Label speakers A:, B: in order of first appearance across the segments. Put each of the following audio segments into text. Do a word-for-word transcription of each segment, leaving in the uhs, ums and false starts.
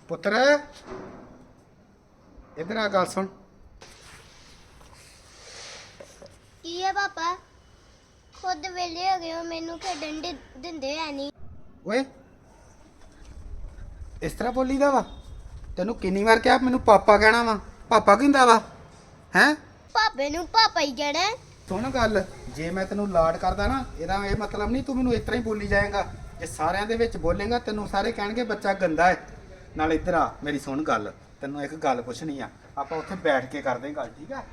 A: ਪੁੱਤਰ ਇਧਰ ਆ ਗੱਲ ਸੁਣ।
B: ਕੀ ਹੈ ਪਾਪਾ? ਖੁਦ ਵੇਲੇ ਹੋ ਗਏ ਹੋ, ਮੈਨੂੰ ਖੇਡਣ ਦੇ ਦਿੰਦੇ ਐ ਨਹੀਂ।
A: ਓਏ ਇਸ ਤਰ੍ਹਾਂ ਬੋਲੀਦਾ ਵਾ? ਤੈਨੂੰ ਕਿੰਨੀ ਵਾਰ ਕਿਹਾ ਮੈਨੂੰ ਪਾਪਾ ਕਹਿਣਾ ਵਾ? ਪਾਪਾ ਕਹਿੰਦਾ ਵਾ ਹੈ?
B: ਪਾਪੇ ਨੂੰ ਪਾਪਾ ਹੀ ਕਹਿਣਾ।
A: ਸੁਣ ਗੱਲ, ਜੇ ਮੈਂ ਤੈਨੂੰ ਲਾਡ ਕਰਦਾ ਨਾ, ਇਹਦਾ ਇਹ ਮਤਲਬ ਨਹੀਂ ਤੂੰ ਮੈਨੂੰ ਇਸ ਤਰ੍ਹਾਂ ਹੀ ਬੋਲੀ ਜਾਏਗਾ। ਜੇ ਸਾਰਿਆਂ ਦੇ ਵਿੱਚ ਬੋਲੇਗਾ ਤੈਨੂੰ ਸਾਰੇ ਕਹਿਣਗੇ ਬੱਚਾ ਗੰਦਾ ਹੈ। ਨਾਲ ਇੱਧਰ ਆ, ਮੇਰੀ ਸੁਣ ਗੱਲ, ਤੈਨੂੰ ਇੱਕ ਗੱਲ ਪੁੱਛਣੀ ਆ, ਆਪਾਂ ਉੱਥੇ ਬੈਠ ਕੇ ਕਰਦੇ ਗੱਲ, ਠੀਕ ਆ?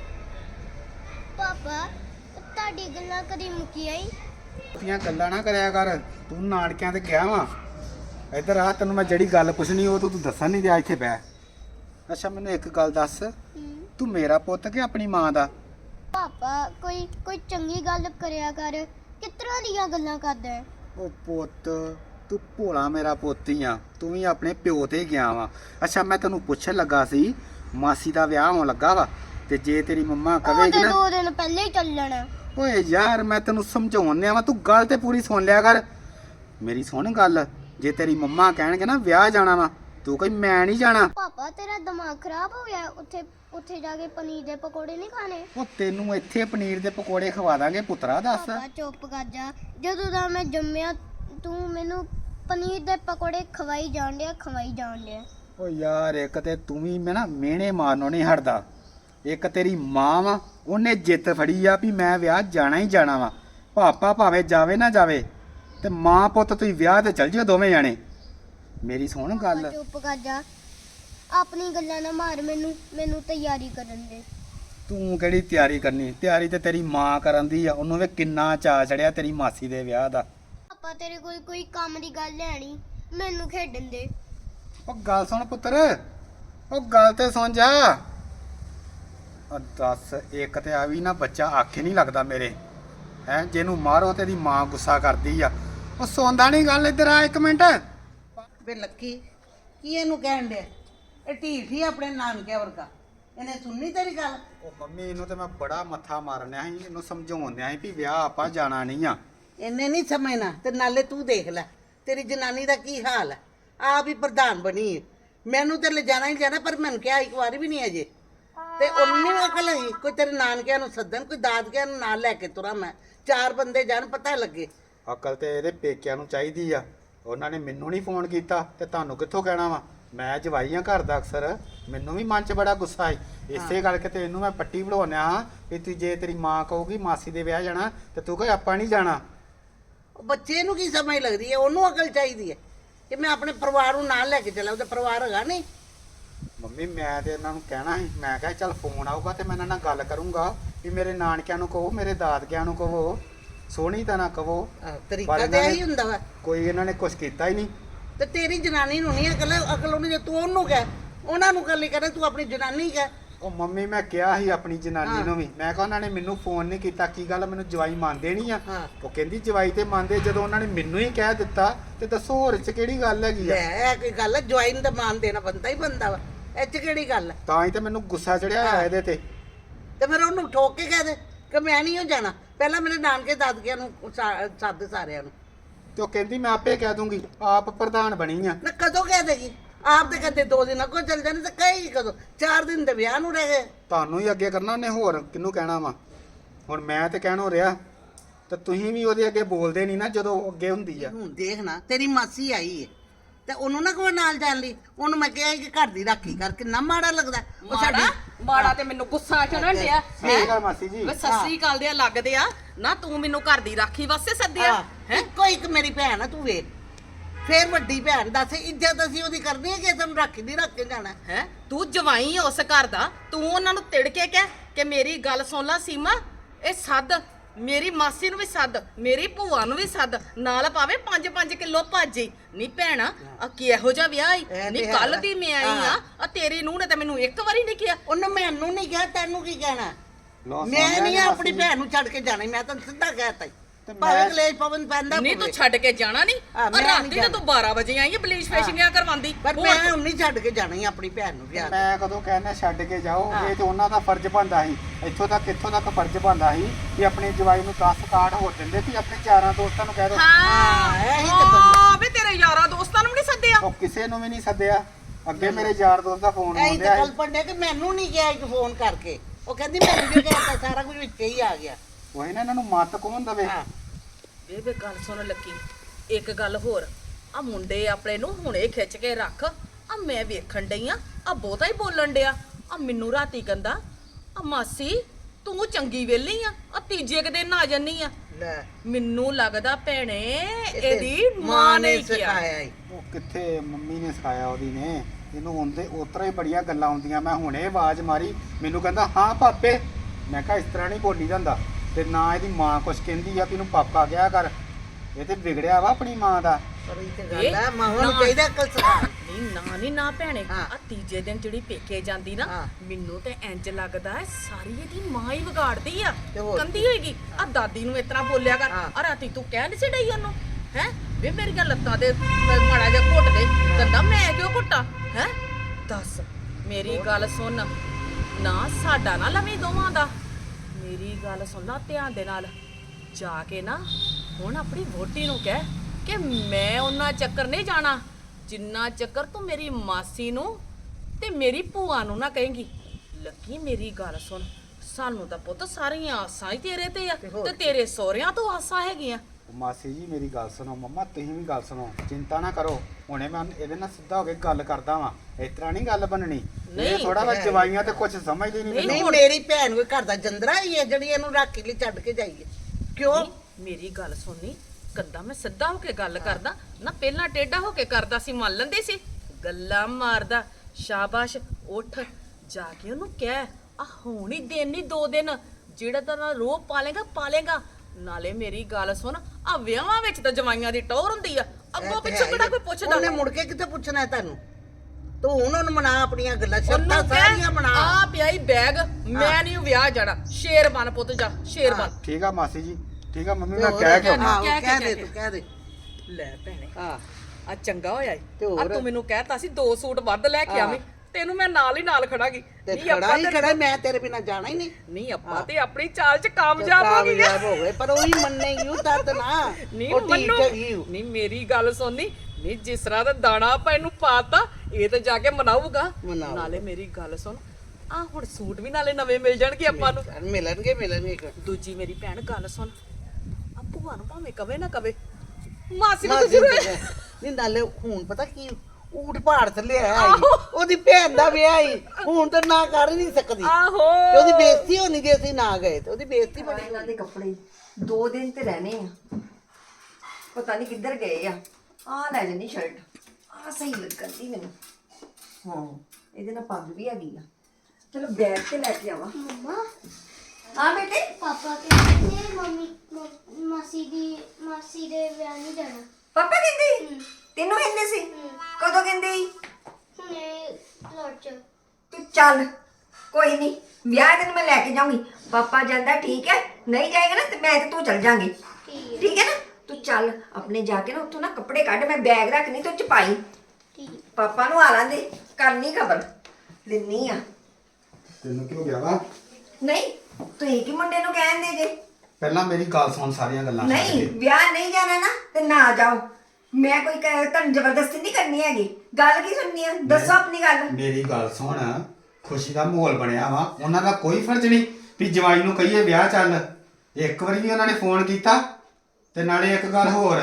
B: ਪਾਪਾ ਤੁਹਾਡੀ ਗੱਲਾਂ ਕਦੀ ਮੁੱਕੀਆਂ ਹੀ?
A: ਤੀਆਂ ਗੱਲਾਂ ਨਾ ਕਰਿਆ ਕਰ, ਤੂੰ ਨਾਨਕਿਆਂ ਤੇ ਗਿਆ ਵਾ। ਇੱਧਰ ਆ, ਤੈਨੂੰ ਮੈਂ ਜਿਹੜੀ ਗੱਲ ਪੁੱਛਣੀ ਉਹ ਤੂੰ ਤੂੰ ਦੱਸਣ ਨਹੀਂ ਦਿਆ। ਇੱਥੇ ਬਹਿ। ਅੱਛਾ ਮੈਨੂੰ ਇੱਕ ਗੱਲ ਦੱਸ, ਤੂੰ ਮੇਰਾ ਪੁੱਤ ਕਿ ਆਪਣੀ ਮਾਂ ਦਾ?
B: ਪਾਪਾ ਕੋਈ ਕੋਈ ਚੰਗੀ ਗੱਲ ਕਰਿਆ ਕਰ, ਕਿਸ ਤਰ੍ਹਾਂ ਦੀਆਂ ਗੱਲਾਂ ਕਰਦਾ ਹੈ?
A: ਉਹ ਪੁੱਤ ਤੂੰ ਭੋਲਾ ਮੇਰਾ ਪੁੱਤ ਹੀ ਆ, ਤੂੰ ਵੀ ਆਪਣੇ ਪਿਓ ਤੇ ਗਿਆ ਵਾ। ਅੱਛਾ ਮੈਂ ਤੈਨੂੰ ਪੁੱਛਣ ਲੱਗਾ ਸੀ, ਮਾਸੀ ਦਾ ਵਿਆਹ ਹੋਣ ਲੱਗਾ ਵਾ, ਤੇ ਜੇ ਤੇਰੀ ਮੰਮਾ ਕਵੇਗੀ ਨਾ
B: ਦੋ ਦਿਨ ਪਹਿਲੇ ਹੀ ਚੱਲਣਾ।
A: ਓਏ ਯਾਰ ਮੈਂ ਤੈਨੂੰ ਸਮਝਾਉਣ ਵਾ, ਤੂੰ ਗੱਲ ਤੇ ਪੂਰੀ ਸੁਣ ਲਿਆ ਕਰ। ਮੇਰੀ ਸੁਣ ਗੱਲ, ਜੇ ਤੇਰੀ ਮੰਮਾ ਕਹਿਣਗੇ ਨਾ ਵਿਆਹ ਜਾਣਾ ਵਾ, ਤੂੰ ਕਹੀ ਮੈਂ ਨਹੀਂ ਜਾਣਾ।
B: ਪਾਪਾ ਤੇਰਾ ਦਿਮਾਗ ਖਰਾਬ ਹੋ ਗਿਆ? ਉੱਥੇ ਉੱਥੇ ਜਾ ਕੇ ਪਨੀਰ ਦੇ ਪਕੌੜੇ ਨਹੀਂ ਖਾਣੇ?
A: ਉਹ ਤੈਨੂੰ ਇੱਥੇ ਪਨੀਰ ਦੇ ਪਕੌੜੇ ਖਵਾ ਦਾਂਗੇ ਪੁੱਤਰਾ, ਦੱਸ।
B: ਪਾਪਾ ਚੁੱਪ ਕਰ ਜਾ, ਜਦੋਂ ਦਾ ਮੈਂ ਜੰਮਿਆ ਤੂੰ ਮੈਨੂੰ ਪਨੀਰ ਦੇ ਪਕੌੜੇ ਖਵਾਈ ਜਾਣ ਡਿਆ ਖਵਾਈ ਜਾਣ ਡਿਆ।
A: ਓ ਯਾਰ ਇੱਕ ਤੇ ਤੂੰ ਵੀ ਮੈਂ ਨਾ ਮਿਹਣੇ ਮਾਰਨੋਂ ਨਹੀਂ ਹਟਦਾ। ਇੱਕ ਤੇਰੀ ਮਾਂ ਵਾ, ਉਹਨੇ ਜਿੱਤ ਫੜੀ ਆ ਵੀ ਮੈਂ ਵਿਆਹ ਜਾਣਾ ਹੀ ਜਾਣਾ ਵਾ, ਪਾਪਾ ਭਾਵੇਂ ਜਾਵੇ ਨਾ ਜਾਵੇ। ਤੇ ਮਾਂ ਪੁੱਤ ਤੁਸੀਂ ਵਿਆਹ ਤੇ ਚੱਲ ਜਿਓ ਦੋਵੇਂ ਜਾਣੇ। ਮੇਰੀ ਸੁਣ ਗੱਲ,
B: ਪਾਪਾ ਚੁੱਪ ਕਰ ਜਾ, ਆਪਣੀ ਗੱਲਾਂ ਨਾ ਮਾਰ, ਮੈਨੂੰ ਮੈਨੂੰ ਤਿਆਰੀ ਕਰਨ ਦੇ।
A: ਤੂੰ ਕਿਹੜੀ ਤਿਆਰੀ ਕਰਨੀ? ਤਿਆਰੀ ਤੇ ਤੇਰੀ ਮਾਂ ਕਰਨ ਦੀ ਆ, ਉਹਨੂੰ ਵੀ ਕਿੰਨਾ ਚਾਅ ਚੜਿਆ ਤੇਰੀ ਮਾਸੀ ਦੇ ਵਿਆਹ ਦਾ।
B: ਪਾਪਾ ਤੇਰੇ ਕੋਲ ਕੋਈ ਕੰਮ ਦੀ ਗੱਲ ਲੈਣੀ, ਮੈਨੂੰ ਖੇਡਣ ਦੇ।
A: ਉਹ ਗੱਲ ਸੁਣ ਪੁੱਤਰ, ਉਹ ਗੱਲ ਤੇ ਸੁਣ ਜਾ। ਆ ਦੱਸ, ਇੱਕ ਤੇ ਆ ਵੀ ਨਾ ਬੱਚਾ ਆਖੇ ਨਹੀਂ ਲੱਗਦਾ ਮੇਰੇ, ਹੈ ਜਿਹਨੂੰ ਮਾਰੋ ਤੇ ਦੀ ਮਾਂ ਗੁੱਸਾ ਕਰਦੀ ਆ। ਉਹ ਸੌਂਦਾ ਨਹੀਂ। ਗੱਲ ਇੱਧਰ ਆ ਇੱਕ ਮਿੰਟ।
C: ਵੇ ਲੱਕੀ ਕੀ ਇਹਨੂੰ ਕਹਿਣ ਡਿਆ? ਇਹ ਢੀਠ ਹੀ ਆਪਣੇ ਨਾਨਕਿਆਂ ਵਰਗਾ, ਇਹਨੇ ਸੁਣਨੀ ਤੇਰੀ ਗੱਲ?
A: ਉਹ ਮੰਮੀ ਇਹਨੂੰ ਤੇ ਮੈਂ ਬੜਾ ਮੱਥਾ ਮਾਰਨਿਆ ਸੀ, ਇਹਨੂੰ ਸਮਝਾਉਂਦਿਆ ਸੀ ਵੀ ਵਿਆਹ ਆਪਾਂ ਜਾਣਾ ਨਹੀਂ ਆ।
C: ਇਹਨੇ ਨਹੀਂ ਸਮਝਣਾ। ਤੇ ਨਾਲੇ ਤੂੰ ਦੇਖ ਲੈ ਤੇਰੀ ਜਨਾਨੀ ਦਾ ਕੀ ਹਾਲ ਹੈ, ਆਪ ਹੀ ਪ੍ਰਧਾਨ ਬਣੀ ਹੈ। ਮੈਨੂੰ ਤੇ ਲਿਜਾਣਾ ਹੀ ਜਾਣਾ, ਪਰ ਮੈਨੂੰ ਕਿਹਾ ਇੱਕ ਵਾਰੀ ਵੀ ਨਹੀਂ ਅਜੇ। ਤੇ ਉਹਨੇ ਵੀ ਅਕਲ ਹੈ ਕੋਈ ਤੇਰੇ ਨਾਨਕਿਆਂ ਨੂੰ ਸੱਦਣ, ਕੋਈ ਦਾਦਕਿਆਂ ਨੂੰ ਨਾਲ ਲੈ ਕੇ ਤੁਰਾਂ, ਮੈਂ ਚਾਰ ਬੰਦੇ ਜਾਣ ਪਤਾ ਲੱਗੇ।
A: ਅਕਲ ਤੇ ਇਹਦੇ ਪੇਕਿਆਂ ਨੂੰ ਚਾਹੀਦੀ ਆ। ਉਹਨਾਂ ਨੇ ਮੈਨੂੰ ਨਹੀਂ ਫੋਨ ਕੀਤਾ ਤੇ ਤੁਹਾਨੂੰ ਕਿੱਥੋਂ ਕਹਿਣਾ ਵਾ? ਮੈਂ ਜਵਾਈ ਆ ਘਰ ਦਾ ਅਕਸਰ, ਮੈਨੂੰ ਵੀ ਮਨ 'ਚ ਬੜਾ ਗੁੱਸਾ ਹੈ। ਇਸੇ ਕਰਕੇ ਤੇ ਇਹਨੂੰ ਮੈਂ ਪੱਟੀ ਬਣਾਉਣਿਆ ਹਾਂ ਵੀ ਤੂੰ ਜੇ ਤੇਰੀ ਮਾਂ ਕਹੂਗੀ ਮਾਸੀ ਦੇ ਵਿਆਹ ਜਾਣਾ ਤੇ ਤੂੰ ਕਹੇ ਆਪਾਂ ਨਹੀਂ ਜਾਣਾ।
C: ਉਹ ਬੱਚੇ ਨੂੰ ਕੀ ਸਮਝ ਲੱਗਦੀ ਹੈ? ਉਹਨੂੰ ਅਕਲ ਚਾਹੀਦੀ ਹੈ ਕਿ ਮੈਂ ਆਪਣੇ ਪਰਿਵਾਰ ਨੂੰ ਨਾਲ ਲੈ ਕੇ ਚੱਲਾਂ। ਉਹਦਾ ਪਰਿਵਾਰ ਹੈਗਾ ਨਹੀਂ।
A: ਮੰਮੀ ਮੈਂ ਤੇ ਇਹਨਾਂ ਨੂੰ ਕਹਿਣਾ ਸੀ, ਮੈਂ ਕਿਹਾ ਚੱਲ ਫੋਨ ਆਊਗਾ ਤੇ ਮੈਂ ਇਹਨਾਂ ਨਾਲ ਗੱਲ ਕਰੂੰਗਾ ਵੀ ਮੇਰੇ ਨਾਨਕਿਆਂ ਨੂੰ ਕਹੋ, ਮੇਰੇ ਦਾਦਕਿਆਂ ਨੂੰ ਕਹੋ, ਸੋਹਣੀ ਤਾਂ ਨਾ ਕਹੋ।
C: ਤਰੀਕਾ ਤੇ ਇਹੀ ਹੁੰਦਾ ਵਾ।
A: ਕੋਈ ਇਹਨਾਂ ਨੇ ਕੁਝ ਕੀਤਾ ਹੀ ਨਹੀਂ।
C: ਤੇ ਤੇਰੀ ਜਨਾਨੀ ਨੂੰ ਨਹੀਂ ਅਕਲ, ਅਕਲ ਉਹਨੂੰ ਜੇ ਤੂੰ ਉਹਨੂੰ ਕਹਿ, ਉਹਨਾਂ ਨੂੰ ਗੱਲ ਹੀ ਕਰੇ, ਤੂੰ ਆਪਣੀ ਜਨਾਨੀ ਕਹਿ।
A: ਉਹ ਮੰਮੀ ਮੈਂ ਕਿਹਾ ਸੀ ਆਪਣੀ ਜਨਾਨੀ ਨੂੰ ਵੀ, ਮੈਂ ਕਿਹਾ ਉਹਨਾਂ ਨੇ ਮੈਨੂੰ ਫੋਨ ਨਹੀਂ ਕੀਤਾ, ਕੀ ਗੱਲ ਮੈਨੂੰ ਜਵਾਈ ਮੰਨਦੇ ਨਹੀਂ ਆ? ਉਹ ਕਹਿੰਦੀ ਜਵਾਈ ਤੇ ਮੰਨਦੇ, ਜਦੋਂ ਉਹਨਾਂ ਨੇ ਮੈਨੂੰ ਹੀ ਕਹਿ ਦਿੱਤਾ ਤੇ ਦੱਸੋ ਹੋਰ ਚ ਕਿਹੜੀ ਗੱਲ ਹੈਗੀ ਆ?
C: ਲੈ ਕੋਈ ਗੱਲ ਜਵਾਈ ਨੂੰ ਤਾਂ ਮਾਨ ਦੇਣਾ ਬੰਦਾ ਹੀ ਬੰਦਾ ਵਾ, ਇਹ ਚ ਕਿਹੜੀ ਗੱਲ ਹੈ?
A: ਤਾਂ ਹੀ ਤੇ ਮੈਨੂੰ ਗੁੱਸਾ ਚੜਿਆ ਹੋਇਆ ਇਹਦੇ ਤੇ।
C: ਤੇ ਫਿਰ ਉਹਨੂੰ ਠੋਕ ਕੇ ਕਹਿ ਦੇ ਕਿ ਮੈਂ ਨਹੀਂ ਹੋ ਜਾਣਾ, ਪਹਿਲਾਂ ਮੇਰੇ ਨਾਨਕੇ ਦਾਦਕਿਆਂ ਨੂੰ ਸਾ- ਸੱਦ ਸਾਰਿਆਂ ਨੂੰ।
A: ਤੇ ਉਹ ਕਹਿੰਦੀ ਮੈਂ ਆਪੇ ਕਹਿ ਦੂੰਗੀ, ਆਪ ਪ੍ਰਧਾਨ ਬਣੀ ਆ।
C: ਨਾ ਕਦੋਂ ਕਹਿ ਦੇਗੀ? ਆਪ ਤੇ ਕਦੇ ਦੋ ਦਿਨ ਅੱਗੋਂ ਚੱਲ ਜਾਣੇ, ਤੇ ਕਹੇਗੀ ਕਦੋਂ? ਚਾਰ ਦਿਨ ਦੇ ਵਿਆਹ ਨੂੰ ਰਹਿ ਗਏ।
A: ਤੁਹਾਨੂੰ ਹੀ ਅੱਗੇ ਕਰਨਾ ਉਹਨੇ, ਹੋਰ ਕਿਹਨੂੰ ਕਹਿਣਾ ਵਾ? ਹੁਣ ਮੈਂ ਤੇ ਕਹਿਣੋਂ ਰਿਹਾ ਤੇ ਤੁਸੀਂ ਵੀ ਉਹਦੇ ਅੱਗੇ ਬੋਲਦੇ ਨਹੀਂ ਨਾ ਜਦੋਂ ਅੱਗੇ ਹੁੰਦੀ ਆ।
C: ਹੁਣ ਦੇਖ ਨਾ, ਤੇਰੀ ਮਾਸੀ ਆਈ ਹੈ ਤੇ ਉਹਨੂੰ ਨਾ ਕੋਈ ਨਾਲ ਜਾਣ ਲਈ, ਉਹਨੂੰ ਮੈਂ ਕਿਹਾ ਕਿ ਘਰ ਦੀ ਰਾਖੀ ਕਰ। ਕਿੰਨਾ ਮਾੜਾ ਲੱਗਦਾ ਉਹ ਸਾਡੀ।
D: ਮਾੜਾ ਤੇ ਮੈਨੂੰ ਗੁੱਸਾ ਚੜਨ ਡਿਆ।
A: ਸਹੀ ਗੱਲ ਮਾਸੀ ਜੀ।
D: ਵੇ ਸਤਿ ਸ੍ਰੀ ਅਕਾਲ ਦੇ ਲੱਗਦੇ ਆ ਨਾ, ਤੂੰ ਮੈਨੂੰ ਘਰ ਦੀ ਰਾਖੀ ਵਾਸਤੇ ਸੱਦਿਆ
C: ਹੈ? ਕੋਈ ਇੱਕ ਮੇਰੀ ਭੈਣ ਆ, ਤੂੰ ਵੇਖ ਫੇਰ ਵੱਡੀ ਭੈਣ, ਦੱਸ ਇੱਜ਼ਤ ਅਸੀਂ ਉਹਦੀ ਕਰਨੀ ਹੈ ਕਿ ਸਾਨੂੰ ਰਾਖੀ ਦੀ ਰੱਖ ਕੇ ਜਾਣਾ
D: ਹੈ? ਤੂੰ ਜਵਾਈ ਆ ਉਸ ਘਰ ਦਾ, ਤੂੰ ਉਹਨਾਂ ਨੂੰ ਤਿੜ ਕੇ ਕਹਿ ਕਿ ਮੇਰੀ ਗੱਲ ਸੁਣ ਲੈ ਸੀਮਾ, ਇਹ ਸੱਦ ਮੇਰੀ ਮਾਸੀ ਨੂੰ ਵੀ ਸੱਦ, ਮੇਰੀ ਭੂਆ ਨੂੰ ਵੀ ਸੱਦ, ਨਾਲ ਪਾਵੇ ਪੰਜ ਪੰਜ ਕਿਲੋ ਭਾਜੀ। ਨਹੀਂ ਭੈਣਾ ਆ ਕਿਹੋ ਜਿਹਾ ਵਿਆਹ ਈ? ਨਹੀਂ ਕੱਲ ਦੀ ਮੈਂ ਆਈ ਆ, ਆ ਤੇਰੀ ਨੂੰਹ ਨੇ ਤਾਂ ਮੈਨੂੰ ਇੱਕ ਵਾਰੀ ਨਹੀਂ ਕਿਹਾ।
C: ਉਹਨੇ ਮੈਨੂੰ ਨਹੀਂ ਕਿਹਾ, ਤੈਨੂੰ ਕੀ ਕਹਿਣਾ?
A: ਲਓ
C: ਮੈਂ
A: ਸੁਣ
C: ਨਹੀਂ
A: ਲਿਆ
C: ਆਪਣੀ
A: ਮਾਸੀ
C: ਭੈਣ ਨੂੰ ਛੱਡ ਕੇ ਜਾਣਾ, ਮੈਂ ਤਾਂ ਸਿੱਧਾ ਕਹਿਤਾ
A: ਤੇ ਮੈਂ-
C: ਭਾਵੇਂ ਕਲੇਸ਼ ਪਵਨ ਪੈਂਦਾ
D: ਨਹੀਂ ਤੂੰ
C: ਪਵੇ।
D: ਛੱਡ ਕੇ ਜਾਣਾ ਨਹੀਂ।
C: ਹਾਂ, ਮੈਂ
D: ਰਾਤੀ
C: ਨਹੀਂ
D: ਤੇ ਤੂੰ ਬਾਰਾਂ ਵਜੇ ਆਈ ਆ ਬਲੀਚ ਫੇਸ਼ਿੰਗਾਂ ਕਰਵਾਉਂਦੀ।
C: ਪਰ
D: ਹੋਰ
C: ਮੈਂ ਹੁਣ ਨਹੀਂ ਛੱਡ ਕੇ ਜਾਣਾ ਹੀ ਆਪਣੀ ਭੈਣ ਨੂੰ ਵਿਆਹ।
A: ਮੈਂ ਕਦੋਂ ਕਹਿਣਾ ਛੱਡ ਕੇ ਜਾਓ?
C: ਹਾਂ।
A: ਇਹ ਤੇ ਉਹਨਾਂ ਦਾ ਫਰਜ਼ ਬਣਦਾ ਸੀ। ਇੱਥੋਂ ਤੱਕ ਇੱਥੋਂ ਤੱਕ ਫਰਜ਼ ਬਣਦਾ ਸੀ ਕਿ ਆਪਣੇ ਜਵਾਈ ਨੂੰ ਦਸ ਕਾਰਡ ਹੋਰ ਦਿੰਦੇ ਸੀ, ਆਪਣੇ ਚਾਰਾਂ ਦੋਸਤਾਂ ਨੂੰ ਕਹਿ ਦੋ।
D: ਹਾਂ
C: ਇਹੀ ਤੇ
D: ਹਾਂ ਵੇ ਤੇਰੇ ਯਾਰਾਂ ਦੋਸਤਾਂ ਨੂੰ ਵੀ ਨਹੀਂ ਸੱਦਿਆ।
A: ਉਹ ਕਿਸੇ ਨੂੰ ਵੀ ਨਹੀਂ ਸੱਦਿਆ। ਅੱਗੇ ਮੇਰੇ ਯਾਰ ਦੋਸਤ ਦਾ ਫੋਨ
C: ਐਂ
A: ਆਉਂਦਾ
C: ਤਾਂ
A: ਸੀ
C: ਕੱਲ ਪੰਡੇ ਕਿ ਮੈਨੂੰ ਨਹੀਂ ਕਿਹਾ ਇੱਕ ਫੋਨ ਕਰਕੇ ਉਹ ਕਹਿੰਦੀ ਮੈਨੂੰ ਜੋ ਕਹਿਤਾ ਸਾਰਾ ਕੁਝ ਵਿੱਚ ਹੀ ਆ ਗਿਆ
A: ਉਹੀ ਨਾ ਇਹਨਾਂ ਨੂੰ ਮੱਤ ਕੌਣ ਦਵੇ
C: ਹਾਂ
D: ਬੇਬੇ ਗੱਲ ਸੁਣ ਲੱਗੀ ਇੱਕ ਗੱਲ ਹੋਰ ਆ ਮੁੰਡੇ ਆਪਣੇ ਨੂੰ ਹੁਣੇ ਖਿੱਚ ਕੇ ਰੱਖ ਆ ਮੈਂ ਵੇਖਣ ਡਈ ਆ ਆ ਬਹੁਤਾ ਹੀ ਬੋਲਣ ਡਿਆ ਆ ਮੈਨੂੰ ਰਾਤੀ ਕਹਿੰਦਾ ਆ ਮਾਸੀ ਤੂੰ ਚੰਗੀ ਵੇਲੀ ਆ ਆ ਤੀਜੇ ਕੁ ਦਿਨ ਆ ਜੰਨੀ ਆ
C: ਲੈ
D: ਮੈਨੂੰ ਲੱਗਦਾ ਭੈਣੇ
C: ਇਹ ਤੇ
D: ਇਹਦੀ ਮਾਂ ਨੇ ਕਿਹਾ
C: ਸਿਖਾਇਆ ਈ।
A: ਉਹ ਕਿੱਥੇ ਮੰਮੀ ਨੇ ਸਿਖਾਇਆ ਉਹਦੀ ਨੇ ਇਹਨੂੰ ਹੁੰਦੇ ਉਤਰਾ ਹੀ ਬੜੀਆਂ ਗੱਲਾਂ ਆਉਂਦੀਆਂ ਮੈਂ ਹੁਣੇ ਆਵਾਜ਼ ਮਾਰੀ ਮੈਨੂੰ ਕਹਿੰਦਾ ਹਾਂ ਪਾਪੇ ਮੈਂ ਕਿਹਾ ਇਸ ਤਰ੍ਹਾਂ ਨਹੀਂ ਬੋਲੀ ਜਾਂਦਾ ਤੇ ਨਾ ਇਹਦੀ ਮਾਂ ਕੁਛ ਕਹਿੰਦੀ ਆ ਵੀ ਇਹਨੂੰ ਪਾਪਾ ਕਿਹਾ ਕਰ ਇਹ ਤੇ ਵਿਗੜਿਆ ਵਾ ਆਪਣੀ ਮਾਂ ਦਾ
C: ਪਰ ਇਹ ਤੇ ਗੱਲ ਹੈ ਮਾਂ ਨੂੰ ਚਾਹੀਦਾ ਅਕਲ ਸਿਖਾ
D: ਨਹੀਂ ਨਾ ਨਹੀਂ ਨਾ ਭੈਣੇ
C: ਹਾਂ।
D: ਆ ਤੀਜੇ ਦਿਨ ਜਿਹੜੀ ਪੇਕੇ ਜਾਂਦੀ ਨਾ
C: ਹਾਂ।
D: ਮੈਨੂੰ ਤੇ ਇੰਜ ਲੱਗਦਾ ਹੈ ਸਾਰੀ ਇਹਦੀ ਮਾਂ ਹੀ ਵਿਗਾੜਦੀ ਆ
C: ਤੇ ਹੋਰ
D: ਕੰਦੀ ਹੋਏਗੀ ਆ ਦਾਦੀ ਨੂੰ ਇਤਨਾ ਬੋਲਿਆ ਕਰ
C: ਹਾਂ।
D: ਆ ਰਾਤੀ ਤੂੰ ਕਹਿ ਨਹੀਂ ਸੀ ਡਈ ਉਹਨੂੰ ਹੈ ਵੇ ਮੇਰੀਆਂ ਲੱਤਾਂ ਦੇ ਮ- ਮਾੜਾ ਜਿਹਾ ਘੁੱਟ ਦੇ ਕਹਿੰਦਾ ਮੈਂ ਕਿਉਂ ਘੁੱਟਾਂ ਹੈ ਦੱਸ ਮੇਰੀ ਗੱਲ ਸੁਣ ਨਾ ਸਾਡਾ ਨਾ ਲਵੀਂ ਦੋਵਾਂ ਦਾ ਮੇਰੀ ਗੱਲ ਸੁਣ ਲਾ ਧਿਆਨ ਦੇ ਨਾਲ ਜਾ ਕੇ ਨਾ ਹੁਣ ਆਪਣੀ ਵੋਟੀ ਨੂੰ ਕਹਿ ਕਿ ਮੈਂ ਉਹਨਾਂ ਚੱਕਰ ਨਹੀਂ ਜਾਣਾ ਜਿੰਨਾ ਚੱਕਰ ਤੂੰ ਮੇਰੀ ਮਾਸੀ ਨੂੰ ਤੇ ਮੇਰੀ ਭੂਆ ਨੂੰ ਨਾ ਕਹੇਂਗੀ ਲੱਗੀ ਮੇਰੀ ਗੱਲ ਸੁਣ ਸਾਨੂੰ ਤਾਂ ਪੁੱਤ ਸਾਰੀਆਂ ਆਸਾਂ ਹੀ ਤੇਰੇ ਤੇ ਆ
C: ਤੇ ਹੋਰ
D: ਤੇ ਤੇਰੇ ਸਹੁਰਿਆਂ ਤੋਂ ਆਸਾਂ ਹੈਗੀਆਂ
A: ਮਾਸੀ ਜੀ ਮੇਰੀ ਗੱਲ ਸੁਣੋ ਮੰਮਾ ਤੁਸੀਂ ਵੀ ਗੱਲ ਸੁਣੋ ਚਿੰਤਾ ਨਾ ਕਰੋ ਹੁਣੇ ਮੈਂ ਇਹਦੇ ਨਾਲ ਸਿੱਧਾ ਹੋ ਕੇ ਗੱਲ ਕਰਦਾ ਵਾਂ ਇਸ ਤਰ੍ਹਾਂ ਨਹੀਂ ਗੱਲ ਬਣਨੀ ਇਹ
D: ਨਹੀਂ,
A: ਥੋੜਾ ਵਾ ਜਵਾਈਆਂ ਤੇ ਕੁਝ ਸਮਝਦੇ ਨਹੀਂ
D: ਨਹੀਂ,
C: ਨਹੀਂ
D: ਹੁਣ-
C: ਮੇਰੀ ਭੈਣ ਕੋਈ ਘਰ ਦਾ ਜੰਦਰਾ ਹੀ ਹੈ ਜਿਹੜੀ ਇਹਨੂੰ ਰੱਖ ਕੇ ਲਈ ਛੱਡ ਕੇ ਜਾਈਏ ਕਿਉਂ
D: ਨਹੀਂ, ਮੇਰੀ ਗੱਲ ਸੁਣਨੀ ਕੱਦਾ ਮੈਂ ਸਿੱਧਾ ਹੋ ਕੇ ਗੱਲ ਕਰਦਾ ਨਾ ਪਹਿਲਾਂ ਟੇਢਾ ਹੋ ਕੇ ਕਰਦਾ ਸੀ ਮੰਨ ਲੈਂਦੀ ਸੀ ਗੱਲਾਂ ਮਾਰਦਾ ਸ਼ਾਬਾਸ਼ ਉੱਠ ਜਾ ਕੇ ਉਹਨੂੰ ਕਹਿ ਆ ਹੁਣ ਹੀ ਦਿਨ ਨਹੀਂ ਦੋ ਦਿਨ ਜਿਹੜਾ ਤੇਰਾ ਰੋਹ ਪਾਲੇਗਾ ਪਾਲੇਗਾ ਨਾਲੇ ਮੇਰੀ ਗੱਲ ਸੁਣ ਆ ਵਿਆਹਾਂ ਵਿੱਚ ਤਾਂ ਜਵਾਈਆਂ ਦੀ ਟੌਰ ਹੁੰਦੀ ਆ ਅੱਗੋਂ ਪਿੱਛੋਂ ਕਿਹੜਾ ਕੋਈ ਪੁੱਛਦਾ
C: ਉਹਨੇ ਮੁੜ ਕੇ ਕਿੱਥੇ ਪੁੱਛਣਾ ਹੈ ਤੁਹਾਨੂੰ ਤੂੰ ਹੁਣ ਉਹਨੂੰ ਮਨਾ ਆਪਣੀਆਂ ਗੱਲਾਂ ਸ਼ਰਤਾਂ
D: ਉਹਨੂੰ
C: ਸਾਰੀਆਂ
D: ਕਹਿ
C: ਮਨਾ
D: ਆ ਪਿਆਈ ਬੈਗ ਮੈਂ ਨਹੀਂ ਵਿਆਹ ਜਾਣਾ ਸ਼ੇਰ ਬਣ ਪੁੱਤ ਜਾ ਸ਼ੇਰ ਬਣ
A: ਠੀਕ ਆ ਮਾਸੀ ਜੀ ਠੀਕ ਆ ਮੰਮੀ
C: ਤੇ
A: ਮੈਂ
C: ਹੋਰ
A: ਕਹਿ ਕੇ
C: ਹਾਂ,
A: ਆਉਣਾ।
C: ਉਹ
D: ਕਹਿ ਕੇ
C: ਕਹਿ ਦੇ
D: ਕਹਿ
C: ਤੂੰ ਕਹਿ ਦੇ
D: ਲੈ ਭੈਣੇ
C: ਹਾਂ
D: ਆ ਚੰਗਾ ਹੋਇਆ ਈ
C: ਤੇ
D: ਆ
C: ਹੋਰ?
D: ਤੂੰ ਮੈਨੂੰ ਕਹਿਤਾ ਸੀ ਦੋ ਸੂਟ ਵੱਧ ਲੈ ਕੇ
C: ਹਾਂ।
D: ਆਵੀਂ ਤੈਨੂੰ ਮੈਂ ਨਾਲ ਹੀ ਨਾਲ ਖੜਾਂਗੀ
C: ਤੇ
D: ਨਹੀਂ ਆਪਾਂ
C: ਖੜਾ ਹੀ
D: ਤੇ-
C: ਖੜਾ ਮੈਂ ਤੇਰੇ ਬਿਨਾ ਜਾਣਾ ਹੀ ਨਹੀਂ
D: ਨਹੀਂ ਆਪਾਂ ਤੇ ਆਪਣੀ ਚਾਲ 'ਚ ਕਾਮਯਾਬ ਹੋ ਗਏ
C: ਕਾਮਯਾਬ ਹੋ ਗਏ ਪਰ ਉਹੀ ਮੰਨੇਗੀ ਉਹ ਤਦ ਨਾ
D: ਨਹੀਂ
C: ਉਹ ਢੀਠ
D: ਮੰਨੂ
C: ਹੈਗੀ ਉਹ।
D: ਨਹੀਂ ਮੇਰੀ ਗੱਲ ਸੁਣਨੀ ਨਹੀਂ ਜਿਸ ਤਰ੍ਹਾਂ ਦਾ ਦਾਣਾ ਆਪਾਂ ਇਹਨੂੰ ਪਾਤਾ ਇਹ ਤੇ ਜਾ ਕੇ ਮਨਾਊਗਾ
C: ਮਨਾਊਗਾ।
D: ਨਾਲੇ ਮੇਰੀ ਗੱਲ ਸੁਣ ਆ ਹੁਣ ਸੂਟ ਵੀ ਨਾਲੇ ਨਵੇਂ ਮਿਲ ਜਾਣਗੇ ਆਪਾਂ ਨੂੰ
C: ਮਿਲਣਗੇ ਮਿਲਣਗੇ
D: ਦੂਜੀ ਮੇਰੀ ਭੈਣ ਗੱਲ ਸੁਣ ਆ ਭੂਆ ਨੂੰ ਭਾਵੇਂ ਕਵੇ ਨਾ ਕਵੇ ਮਾਸੀ ਨੂੰ
C: ਮਾਸੀ
D: ਜ਼ਰੂਰ
C: ਨਹੀਂ ਨਾਲੇ ਹੁਣ ਪਤਾ ਕੀ ਊਠ ਪਹਾੜ ਥੱਲੇ ਆਇਆ ਈ। ਉਹਦੀ ਭੈਣ ਦਾ ਵਿਆਹ ਹੀ ਹੁਣ ਤਾਂ ਨਾ ਕਰ ਹੀ ਨਹੀਂ ਸਕਦੀ
D: ਆਹੋ
C: ਤੇ ਉਹਦੀ ਬੇਇੱਜ਼ਤੀ ਹੋਣੀ ਜੇ ਅਸੀਂ ਨਾ ਗਏ ਤੇ ਉਹਦੀ ਬੇਇੱਜ਼ਤੀ ਬੜੀ
E: ਇਹਨਾਂ ਦੇ ਕੱਪੜੇ ਦੋ ਦਿਨ ਤੇ ਰਹਿਣੇ ਆ ਪਤਾ ਨਹੀਂ ਕਿੱਧਰ ਗਏ ਆ ਆ ਲੈ ਜੰਨੀ ਸ਼ਰਟ ਆ ਸਹੀ ਲੱਗਦੀ ਮੈਨੂੰ ਹਾਂ ਇਹਦੇ ਨਾਲ ਪੱਗ ਵੀ ਹੈਗੀ ਆ ਚਲੋ ਬੈਗ ਤੇ ਲੈ ਕੇ ਆਵਾਂ
B: ਮੰਮਾ
E: ਹਾਂ ਬੇਟੇ
B: ਪਾਪਾ ਕਹਿੰਦੇ ਨੇ ਮੰਮੀ ਮ- ਮਾਸੀ ਦੀ ਮਾਸੀ ਦੇ ਵਿਆਹ ਨਹੀਂ ਜਾਣਾ
E: ਪਾਪਾ ਕਹਿੰਦੇ ਤੈਨੂੰ ਕਹਿੰਦੇ ਸੀ ਕਦੋਂ ਕਹਿੰਦੇ ਸੀ?
B: ਹੁਣੇ ਲੋਟ ਚ
E: ਤੂੰ ਚੱਲ ਕੋਈ ਨਹੀਂ ਵਿਆਹ ਦਿਨ ਮੈਂ ਲੈ ਕੇ ਜਾਊਂਗੀ ਪਾਪਾ ਜਾਂਦਾ ਠੀਕ ਹੈ ਨਹੀਂ ਜਾਏਗਾ ਨਾ ਤੇ ਮੈਂ ਤੇ ਤੂੰ ਚੱਲ ਜਾਾਂਗੇ
B: ਠੀਕ ਹੈ
E: ਠੀਕ ਹੈ ਨਾ ਤੂੰ ਚੱਲ ਆਪਣੇ ਜਾ ਕੇ ਨਾ ਉੱਥੋਂ ਨਾ ਕੱਪੜੇ ਕੱਢ ਮੈਂ ਬੈਗ ਰੱਖਣੀ ਤੂੰ ਚ ਪਾਈ
B: ਠੀਕ ਹੈ।
E: ਪਾਪਾ ਨੂੰ ਆ ਲਾਂਦੇ ਕਰਨੀ ਖਬਰ ਲੈਣੀ ਆ
A: ਤੈਨੂੰ ਕੀ ਹੋ ਗਿਆ ਵਾ
E: ਨਹੀਂ ਤੁਸੀਂ ਕੀ ਮੁੰਡੇ ਨੂੰ ਕਹਿੰਦੇ ਜੇ
A: ਪਹਿਲਾਂ ਮੇਰੀ ਗੱਲ ਸੁਣ ਸਾਰੀਆਂ ਗੱਲਾਂ ਛੱਡ
E: ਨਹੀਂ
A: ਕੇ।
E: ਵਿਆਹ ਨਹੀਂ ਜਾਣਾ ਨਾ ਤੇ ਨਾ ਜਾਓ ਮੈਂ ਕੋਈ ਕ- ਤੁਹਾਨੂੰ ਜ਼ਬਰਦਸਤੀ ਨਹੀਂ ਕਰਨੀ ਹੈਗੀ ਗੱਲ ਕੀ ਸੁਣਨੀ ਆ ਦੱਸੋ ਆਪਣੀ ਗੱਲ
A: ਮੇਰੀ ਗੱਲ ਸੁਣ ਖੁਸ਼ੀ ਦਾ ਮਾਹੌਲ ਬਣਿਆ ਵਾ ਉਹਨਾਂ ਦਾ ਕੋਈ ਫਰਜ਼ ਨਹੀਂ ਵੀ ਜਵਾਈ ਨੂੰ ਕਹੀਏ ਵਿਆਹ ਚੱਲ ਇੱਕ ਵਾਰੀ ਵੀ ਉਹਨਾਂ ਨੇ ਫੋਨ ਕੀਤਾ ਤੇ ਨਾਲੇ ਇੱਕ ਗੱਲ ਹੋਰ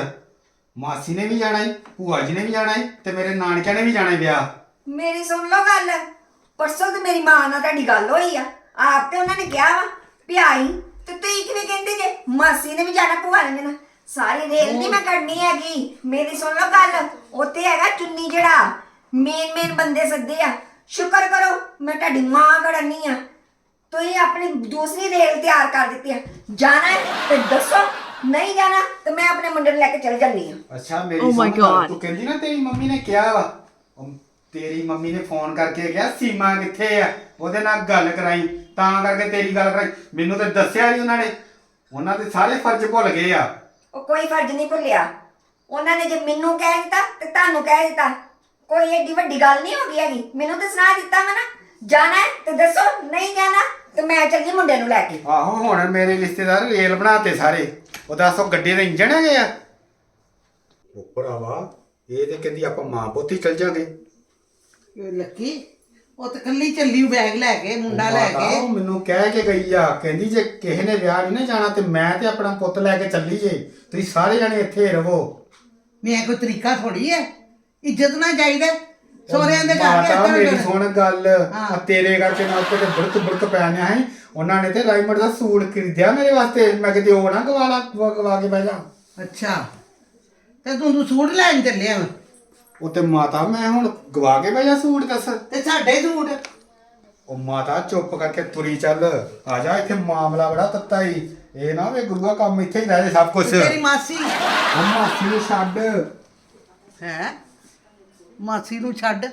A: ਮਾਸੀ ਨੇ ਵੀ ਜਾਣਾ ਈ ਭੂਆ ਜੀ ਨੇ ਵੀ ਜਾਣਾ ਈ ਤੇ ਮੇਰੇ ਨਾਨਕਿਆਂ ਨੇ ਵੀ ਜਾਣਾ ਈ ਵਿਆਹ
E: ਮੇਰੀ ਸੁਣ ਲਓ ਗੱਲ ਪਰਸੋਂ ਤੇ ਮੇਰੀ ਮਾਂ ਨਾਲ ਤੁਹਾਡੀ ਗੱਲ ਹੋਈ ਆ ਆਪ ਤੇ ਉਹਨਾਂ ਨੇ ਕਿਹਾ ਵਾ ਵੀ ਆਈ ਤੇ ਤੁਸੀਂ ਕਿਵੇਂ ਕਹਿੰਦੇ ਜੇ ਮਾਸੀ ਨੇ ਵੀ ਜਾਣਾ ਭੂਆ ਨੇ ਜਾਣਾ ਸਾਰੀ ਰੇਲ ਨਹੀਂ ਮੈਂ ਕਰਨੀ ਹੈਗੀ ਮੇਰੀ ਸੁਣ ਲਓ ਗੱਲ ਉੱਥੇ ਹੈਗਾ ਚੁੰਨੀ ਜਿਹੜਾ ਮੇਨ ਮੇਨ ਬੰਦੇ ਸੱਦੇ ਆ ਸ਼ੁਕਰ ਕਰੋ ਮੈਂ ਤੁਹਾਡੀ ਮਾਂ ਕਰਨੀ ਆ ਤੁਸੀਂ ਆਪਣੀ ਦੂਸਰੀ ਰੇਲ ਤਿਆਰ ਕਰ ਦਿੱਤੀ ਆ ਜਾਣਾ ਹੈ ਤੇ ਦੱਸੋ ਨਹੀਂ ਜਾਣਾ ਤੇ ਮੈਂ ਆਪਣੇ ਮੁੰਡੇ ਨੂੰ ਲੈ ਕੇ ਚੱਲ ਜਾਂਦੀ ਆ
A: ਅੱਛਾ ਮੇਰੀ
D: Oh my
A: ਸੁਣ ਗੱਲ,
D: God.
A: ਤੂੰ ਕਹਿੰਦੀ ਨਾ ਤੇਰੀ ਮੰਮੀ ਨੇ ਕਿਹਾ ਵਾ ਉਹ ਤੇਰੀ ਮੰਮੀ ਨੇ ਫੋਨ ਕਰਕੇ ਕਿਹਾ ਸੀਮਾ ਕਿੱਥੇ ਆ ਉਹਦੇ ਨਾਲ ਗੱਲ ਕਰਾਈ ਤਾਂ ਕਰਕੇ ਤੇਰੀ ਗੱਲ ਕਰਾਈ ਮੈਨੂੰ ਤੇ ਦੱਸਿਆ ਨਹੀਂ ਉਹਨਾਂ ਨੇ ਉਹਨਾਂ ਦੇ ਸਾਰੇ ਫਰਜ਼ ਭੁੱਲ ਗਏ ਆ
E: ਉਹ ਕੋਈ ਫਰਜ਼ ਨਹੀਂ ਭੁੱਲਿਆ ਉਹਨਾਂ ਨੇ ਜੇ ਮੈਨੂੰ ਕਹਿ ਦਿੱਤਾ ਤੇ ਤੁਹਾਨੂੰ ਕਹਿ ਦਿੱਤਾ ਕੋਈ ਏਡੀ ਵੱਡੀ ਗੱਲ ਨਹੀਂ ਹੋ ਗਈ ਹੈਗੀ ਮੈਨੂੰ ਤਾਂ ਸੁਣਾ ਦਿੱਤਾ ਵਾ ਨਾ ਜਾਣਾ ਹੈ ਤੇ ਦੱਸੋ ਨਹੀਂ ਜਾਣਾ ਤੇ ਮੈਂ ਚੱਲ ਗਈ ਮੁੰਡੇ ਨੂੰ ਲੈ ਕੇ
A: ਆਹੋ ਹੁਣ ਮੇਰੇ ਰਿਸ਼ਤੇਦਾਰ ਰੇਲ ਬਣਾਤੇ ਸਾਰੇ ਉਹ ਦੱਸੋ ਗੱਡੀ ਦੇ ਇੰਜਣ ਹੈਗੇ ਆ ਉਹ ਭਰਾਵਾ ਇਹ ਤੇ ਕਹਿੰਦੀ ਆਪਾਂ ਮਾਂ ਪੁੱਤ ਹੀ ਚੱਲ ਜਾਾਂਗੇ
C: ਇਹ ਲੱਕੀ ਉਹ ਤਾਂ ਕੱਲੀ ਚੱਲੀ ਬੈਗ ਲੈ ਕੇ ਮੁੰਡਾ ਲੈ
A: ਮਾਤਾ,
C: ਕੇ
A: ਉਹ ਮੈਨੂੰ ਕਹਿ ਕੇ ਗਈ ਆ, ਕਹਿੰਦੀ ਜੇ ਕਿਸੇ ਨੇ ਵਿਆਹ ਨਹੀਂ ਨਾ ਜਾਣਾ ਤੇ ਮੈਂ ਤੇ ਆਪਣਾ ਪੁੱਤ ਲੈ ਕੇ ਚੱਲੀ ਜੇ, ਤੁਸੀਂ ਸਾਰੇ ਜਣੇ ਇੱਥੇ ਰਵੋ।
C: ਮੈਂ ਕੋਈ ਤਰੀਕਾ ਥੋੜੀ ਹੈ, ਇੱਜ਼ਤ ਨਾਲ ਜਾਈਦਾ ਸੋਹਰਿਆਂ ਦੇ ਘਰ
A: ਮਾਤਾ
C: ਏਦਾਂ
A: ਮੇਰੀ
C: ਏਦਾਂ।
A: ਸੁਣ ਗੱਲ,
C: ਹਾਂ।
A: ਆ ਤੇਰੇ ਕਰਕੇ ਮੈਂ ਉੱਤੇ ਤੇ ਬੁੜਕ ਬੁੜਕ ਪੈਣਿਆ ਹੈ। ਉਹਨਾਂ ਨੇ ਤੇ ਰਾਈਮੰਡ ਦਾ ਸੂਟ ਖਰੀਦਿਆ ਮੇਰੇ ਵਾਸਤੇ, ਮੈਂ ਕਿਤੇ ਉਹ ਨਾ ਗਵਾਲਾ ਗਵਾ ਕੇ ਬਹਿ ਜਾ।
C: ਅੱਛਾ ਤੇ ਤੂੰ ਤੂੰ ਸੂਟ ਲੈਣ ਚੱਲਿਆ ਵਾ
A: ਉਹ ਤੇ ਮਾਤਾ ਮੈਂ ਹੁਣ ਗਵਾ ਕੇ ਬਹਿ ਜਾ ਸੂਟ, ਦੱਸ।
C: ਤੇ ਸਾਡੇ ਸੂਟ
A: ਉਹ ਮਾਤਾ ਚੁੱਪ ਕਰਕੇ ਤੁਰੀ ਚੱਲ, ਆ ਜਾ, ਇੱਥੇ ਮਾਮਲਾ ਬੜਾ ਤੱਤਾ ਹੀ। ਇਹ ਨਾ ਵੇ ਗੁਰੂਆ ਕੰਮ ਇੱਥੇ ਹੀ ਰਹਿ ਜੇ ਸਭ ਕੁਝ।
C: ਤੇਰੀ ਮਾਸੀ
A: ਉਹ ਮਾਸੀ ਨੂੰ ਛੱਡ,
C: ਹੈ ਮਾਸੀ ਨੂੰ ਛੱਡ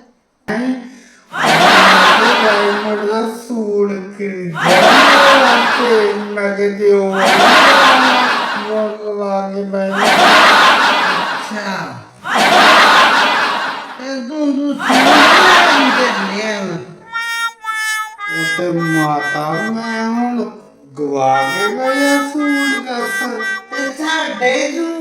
A: ਰਾਈਮੰਡ ਦਾ ਸੂਟ ਖਰੀਦਿਆ ਤੇ ਮੈਂ ਕਿਤੇ ਉਹ ਗਵਾ ਕੇ ਬਹਿ ਜਾ।
C: ਅੱਛਾ ਤੇ ਤੂੰ ਤੂੰ ਸੂਟ ਲੈਣ ਚੱਲਿਆ ਵਾ
A: ਉਹ ਤੇ ਮਾਤਾ ਮੈਂ ਹੁਣ ਗਵਾ ਕੇ ਬਹਿ ਜਾ ਸੂਟ, ਦੱਸ।
C: ਤੇ ਸਾਡੇ ਸੂਟ